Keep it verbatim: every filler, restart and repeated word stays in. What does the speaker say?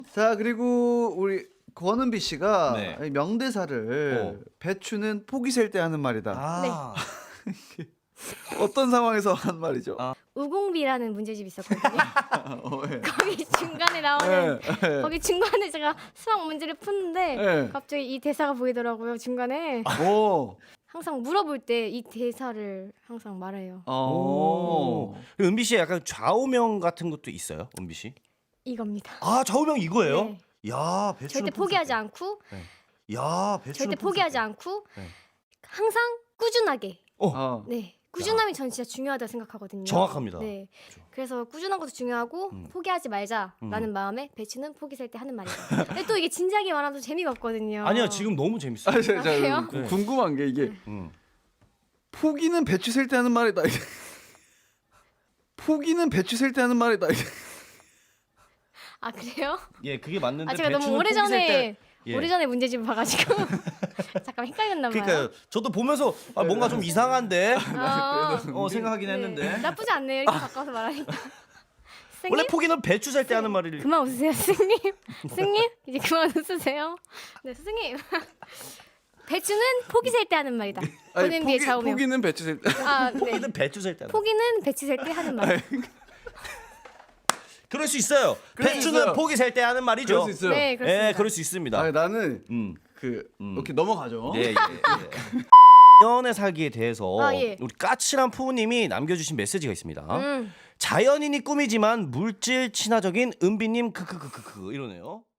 자, 그리고 우리 권은비 씨가 네. 명대사를 어. 배추는 포기 셀 때 하는 말이다. 아. 어떤 상황에서 한 말이죠? 아. 우공비라는 문제집이 있었거든요. 어, 예. 거기 중간에 나오는 예, 예. 거기 중간에 제가 수학 문제를 푸는데 예. 갑자기 이 대사가 보이더라고요. 중간에 오. 항상 물어볼 때 이 대사를 항상 말해요. 어. 은비 씨 약간 좌우명 같은 것도 있어요, 은비 씨? 이겁니다. 아, 좌우명 이거예요? 네. 야, 배추는 절대 포기하지 않고 야, 배추는 절대 포기하지 않고 네. 항상 꾸준하게. 어. 네. 꾸준함이 전 진짜 중요하다 생각하거든요. 정확합니다. 네. 그래서 꾸준한 것도 중요하고 음. 포기하지 말자라는 음. 마음에 배추는 포기 셀 때 하는 말이다. 근데 또 이게 진지하게 말하면 또 재미가 없거든요. 아니요, 지금 너무 재밌어요. 아, 자, 자, 그래요? 구- 궁금한 게 이게 음. 포기는 배추 셀 때 하는 말이다. 이게. 포기는 배추 셀 때 하는 말이다. 이게. 아 그래요? 예, 그게 맞는데 아 제가 너무 배추는 오래 포기 셀 전에 때- 예. 오래 전에 문제집을 봐가지고 잠깐 헷갈렸나 봐요. 그러니까요. 저도 보면서 아, 뭔가 좀 이상한데 아, 어, 생각하긴 네. 했는데 나쁘지 않네요. 이렇게 바꿔서 말하니까. 스님? 원래 포기는 배추 살 때 하는 말이 그만 웃으세요, 스님. 스님 이제 그만 웃으세요. 네, 스님. 배추는 포기 셀 때 하는 말이다. 아니, 보는 뒤에 포기, 좌우명. 포기는 배추 셀 때. 아, 네. 포기는 배추 살 때 하는 말. 포기는 배추 셀 때 하는 말. 그럴 수 있어요. 그럴 수 배추는 있어요. 포기 살 때 하는 말이죠. 그럴 수 있어요. 네, 그렇습니다. 예, 그럴 수 있습니다. 아니, 나는 음. 그 음. 이렇게 넘어가죠. 예, 예, 예. 연애 살기에 대해서 아, 예. 우리 까칠한 부모님이 남겨주신 메시지가 있습니다. 음. 자연인이 꿈이지만 물질 친화적인 은비님 크크크크크 이러네요.